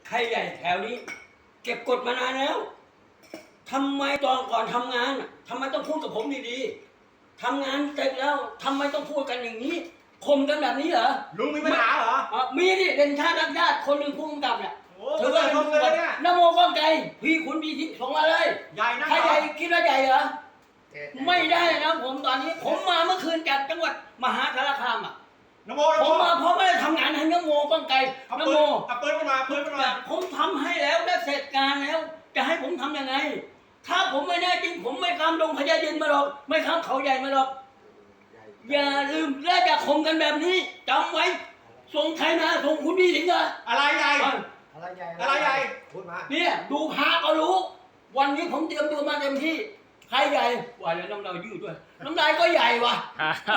ใครใหญ่แถวนี้ เก็บกดมานานแล้วทำไมตอนก่อนทำงานทำไมต้องพูดกับผมดีๆทำงานเสร็จแล้วทำไมต้องพูดกันอย่างนี้คมกันแบบนี้เหรอลุงมีปัญหาเหรอมีดิเด่นชาติรักญาติคนหนึ่งผู้กำกับเนี่ยโอ้โหเธอชมเลยเนี่ยนโมก้องไกรพี่คุณพี่ทิส่งมาเลยใหญ่นะใครใหญ่คิดว่าใหญ่เหรอไม่ได้นะผมตอนนี้ผมมาเมื่อคืนจากจังหวัดมหาสารคามนโมผมมาเพราะไม่ได้ทำงานให้นโมก้องไกรเอานปืโมนเอาปืนมาปืนมาผมทำให้แล้วได้เสร็จการแล้ว จะให้ผมทำยังไง ถ้าผมไม่แน่จริงผมไม่ข้ามดงพญายินมาหรอกไม่ข้ามเขาใหญ่มาหรอกอย่าลืมและอย่าข่มกันแบบนี้จำไว้ส่งใครมาส่งคุณพี่สิงห์อะไรใหญ่อะไรใหญ่อะไรใหญ่พูดมาเนี่ยดูพาก็รู้ วันนี้ผมเตรียมตัวมาเต็มที่ใครใหญ่ว่าแล้วน้ำลายยืดด้วยน้ำลายก็ใหญ่ว่ะ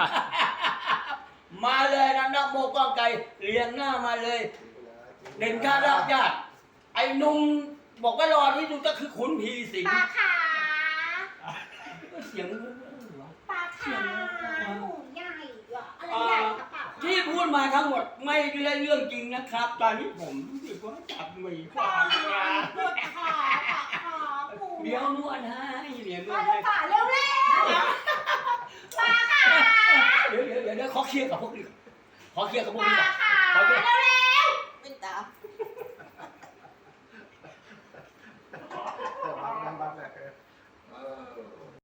มาเลยนะนะโมก้องไกรเรียงหน้ามาเลยเด่นชาติรักญาติไอ้นุ่มบอกว่ารอที่สุดก็คือขุนพีสิงห์ปลาขาเสียงปลาขาหมูใหญ่เหรออะไรใหญ่กระเป๋าที่พูดมาทั้งหมดไม่ได้เรื่องจริงนะครับ ตอนนี้ผมรู้สึกว่าจับมือความงาปวดคอปวดคอปูเดี๋ยวนวดให้เดี๋ยวนวมาดดูให้ป่าเร็วปลาขาเดี๋ยวขอเคลียร์กับพวกนี้ขอเคลียร์กับพวกปนี้ลาก่อนขา